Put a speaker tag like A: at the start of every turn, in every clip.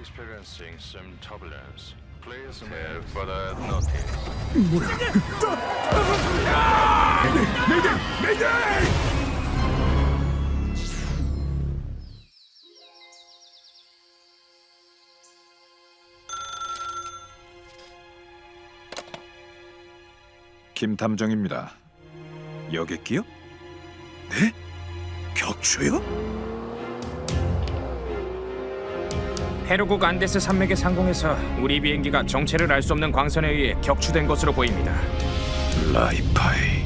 A: experiencing some turbulence. Please have further notice.
B: 김탐정입니다. 여객기요? 네? 격추요?
C: 페루국 안데스 산맥의 상공에서 우리 비행기가 정체를 알 수 없는 광선에 의해 격추된 것으로 보입니다.
B: 라이파이.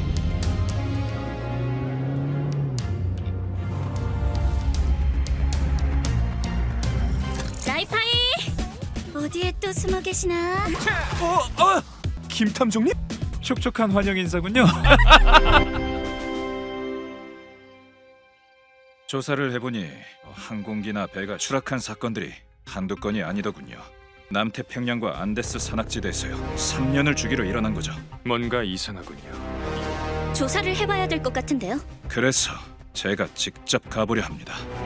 D: 라이파이! 어디에 또 숨어 계시나?
B: 김탐정님? 촉촉한 환영 인사군요. 조사를 해보니 항공기나 배가 추락한 사건들이 한두 건이 아니더군요. 남태평양과 안데스 산악지대에서요. 3년을 주기로 일어난 거죠.
C: 뭔가 이상하군요.
D: 조사를 해봐야 될 것 같은데요.
B: 그래서 제가 직접 가보려 합니다.